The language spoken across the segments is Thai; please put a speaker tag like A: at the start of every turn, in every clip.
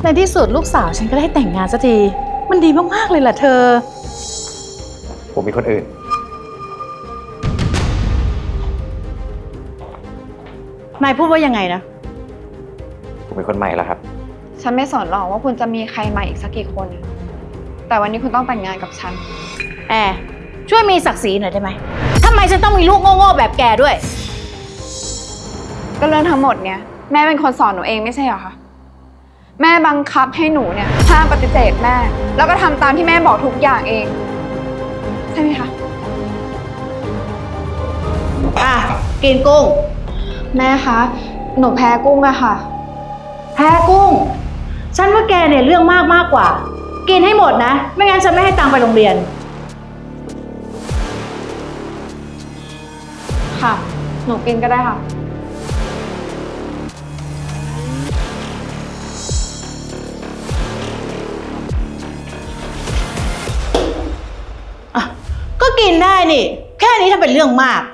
A: ในที่สุดลูกสาวฉันก็ได้แต่งงานสักทีมันดีมากๆเลยล่ะเธอ
B: ผมมีคนอื่น
A: นายพูดว่ายังไงนะ
B: ผมมีคนใหม่แล้วครับ
C: ฉันไม่สนหรอกว่าคุณจะมีใครมาอีกสักกี่คน แต่วันนี้คุณต้องแต่งงานกับฉัน
A: แอร์ช่วยมีศักดิ์ศรีหน่อยได้ไหมทำไมฉันต้องมีลูกโง่ๆแบบแกด้วย
C: ก็เรื่องทั้งหมดเนี่ยแม่เป็นคนสอนหนูเองไม่ใช่เหรอคะแม่บังคับให้หนูเนี่ยห้ามปฏิเสธแม่แล้วก็ทำตามที่แม่บอกทุกอย่างเองใช่ไหมคะ
A: กินกุ้ง
C: แม่คะหนูแพ้กุ้งอะค่ะ
A: แพ้กุ้งฉันว่าแกเนี่ยเรื่องมากกว่ากินให้หมดนะไม่งั้นฉันไม่ให้ตังค์ไปโรงเรียน
C: ค่ะหนูกินก็ได้ค่ะ
A: ก็กินได้นี่แค่นี้ถ้าเป็นเรื่องมาก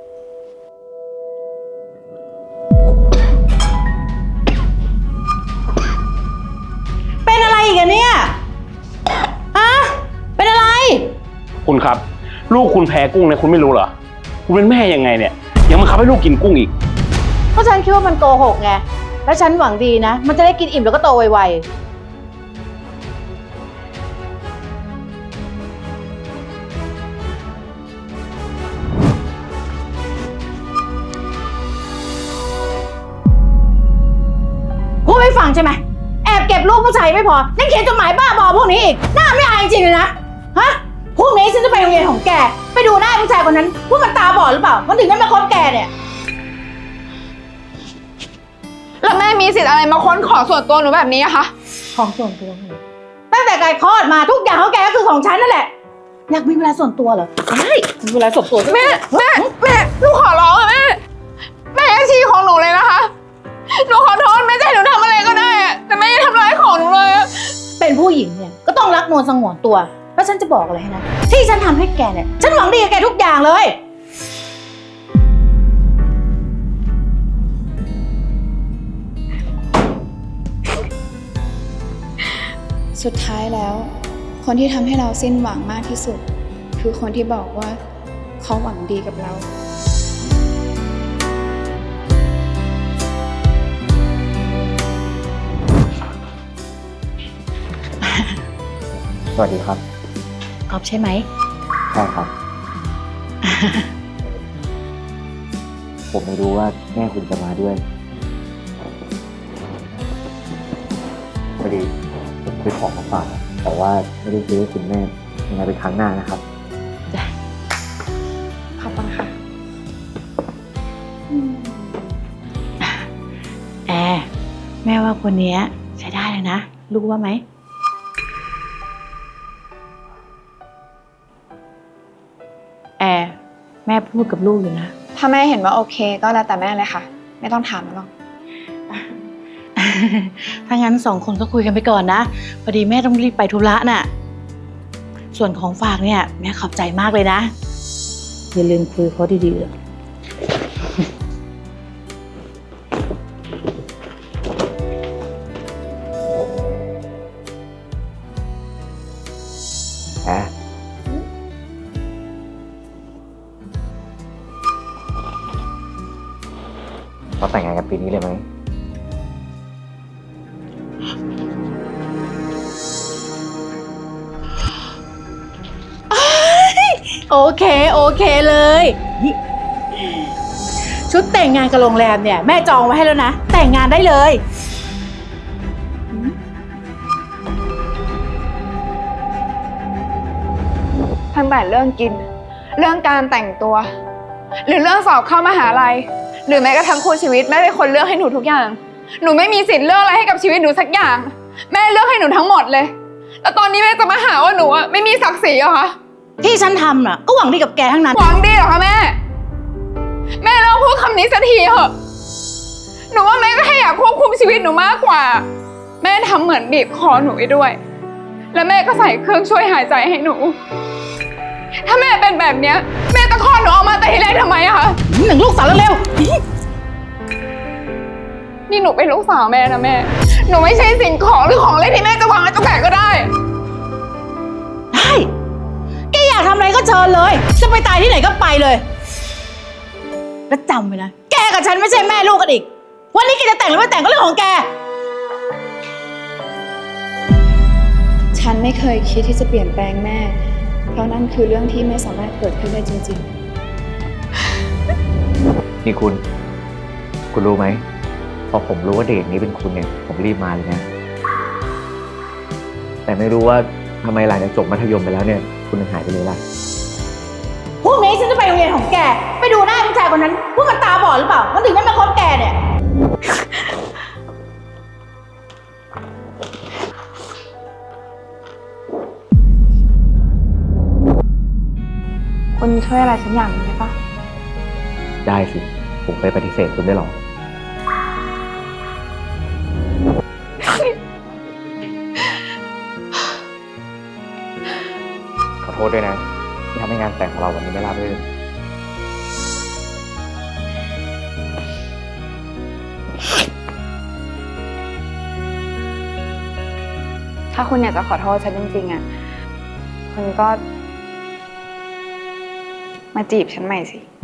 A: เป็นอะไรอีกอะเนี่ยฮะเป็นอะไร
D: คุณครับลูกคุณแพ้กุ้งเนี่ยคุณไม่รู้เหรอคุณเป็นแม่ยังไงเนี่ยยังบังคับให้ลูกกินกุ้งอีก
A: เพราะฉันคิดว่ามันโกหกไงแล้วฉันหวังดีนะมันจะได้กินอิ่มแล้วก็โตไวๆพูดไม่ฟังใช่ไหมแอบเก็บรูปผู้ชายไม่พอยังเขียนจดหมายบ้าบอพวกนี้อีกหน้าไม่อายจริงๆเลยนะฮะพรุ่งนี้ฉันจะไปโรงเรียนของแกไปดูหน้าผู้ชายคนนั้นว่ามันตาบอดหรือเปล่ามันถึงได้มาคบแกเนี่ย
C: แล้วแม่มีสิทธิ์อะไรมาค้นของส่วนตัวหนูแบบนี้อะคะ
A: ของส่วนตัวตั้งแต่แกคลอดมาทุกอย่างของแกก็คือของฉันนั่นแหละอยากมีเวลาส่วนตัวเหรอได้มีเวลาส่วนตัว
C: แม่หนูขอร้องอะแม่อาชีพของหนูเลยนะคะหนูขอโทษแม่จะให้หนูทำอะไรก็ได้แต่แม่อย่าทำร้ายของหนูเลย
A: เป็นผู้หญิงเนี่ยก็ต้องรักนวลสงวนตัวแล้วฉันจะบอกอะไรให้นะที่ฉันทำให้แกเนี่ยฉันหวังดีกับแกทุกอย่างเลย
C: สุดท้ายแล้วคนที่ทำให้เราสิ้นหวังมากที่สุดคือคนที่บอกว่าเขาหวังดีกับเรา
B: สวัสดีครับ
A: กอบใช่ไหม
B: ใช่ครับ ผมไม่รู้ว่าแม่คุณจะมาด้วยพอดีผมซื้อของมาฝากแต่ว่าไม่ได้ซื้อให้คุณแม่ยังไงเป็นครั้งหน้านะครับ
C: ขอบคุณค่ะ
A: แอร์แม่ว่าคนนี้ใช้ได้เลยนะลูกว่าไหมแอร์แม่พูดกับลูกอยู่นะ
C: ถ้าแม่เห็นว่าโอเคก็แล้วแต่แม่เลยค่ะไม่ต้องถามหรอก
A: ถ้างั้นสองคนก็คุยกันไปก่อนนะพอดีแม่ต้องรีบไปธุระน่ะส่วนของฝากเนี่ยแม่ขอบใจมากเลยนะอย่าลืมคุยเขาดีๆ
B: เราแต่งงานกันปีนี้เลยไหม
A: โอเคเลยชุดแต่งงานกับโรงแรมเนี่ยแม่จองไว้ให้แล้วนะแต่งงานได้เลย
C: ตั้งแต่เรื่องกินเรื่องการแต่งตัวหรือเรื่องสอบเข้ามหาลัยหรือแม้กระทั่งคู่ชีวิตแม่เป็นคนเลือกให้หนูทุกอย่างหนูไม่มีสิทธิ์เลือกอะไรให้กับชีวิตหนูสักอย่างแม่เลือกให้หนูทั้งหมดเลยแล้วตอนนี้แม่จะมาหาว่าหนูอะไม่มีศักดิ์ศรีเหรอคะ
A: ที่ฉันทำน่ะก็หวังดีกับแกทั้งนั้น
C: หวังดีเหรอคะแม่เลิกพูดคำนี้สักทีเถอะหนูว่าแม่ก็แค่อยากควบคุมชีวิตหนูมากกว่าแม่ทำเหมือนบีบคอหนูไปด้วยแล้วแม่ก็ใส่เครื่องช่วยหายใจให้หนูถ้าแม่เป็นแบบเนี้ยแม่ตะคลอดหนูออกมาแต่ทีแรกทำไมอะคะ
A: หนึ่งลูกสาวเร็ว
C: นี่หนูเป็นลูกสาวแม่นะแม่หนูไม่ใช่สิ่งของหรือของเล่นที่แม่จะวางไว้ตรงไหนก็ได้
A: ได้ แกอยากทำอะไรก็เชิญเลย จะไปตายที่ไหนก็ไปเลย แล้วจำไว้นะ แกกับฉันไม่ใช่แม่ลูกกันอีก วันนี้แกจะแต่งหรือไม่แต่งก็เรื่องของแก
C: ฉันไม่เคยคิดที่จะเปลี่ยนแปลงแม่ เพราะนั่นคือเรื่องที่ไม่สามารถเกิดขึ้นได้จริง
B: นี่คุณรู้ไหม พอผมรู้ว่าเด็กนี้เป็นคุณเนี่ย ผมรีบมาเลยนะ แต่ไม่รู้ว่าทำไมหลังจากจบมัธยมไปแล้วเนี่ย คุณยังหายไปเลยล่ะ
A: พรุ่งนี้ฉันจะไปโรงเรียนของแก ไปดูหน้าผู้ชายคนนั้นว่ามันตาบอดหรือเปล่า มันถึงไม่มาคบแกเนี่ย
C: ๆ คุณช่วยอะไรฉันอย่างหนึงได้ปะ
B: ได้สิ ผมไปปฏิเสธคุณได้หรอ ขอโทษด้วยนะ ที่ทำให้งานแต่งของเราวันนี้ไม่ราบรื่น
C: ถ้าคุณอยากจะขอโทษฉันจริงๆอ่ะ คุณก็มาจีบฉันใหม่สิ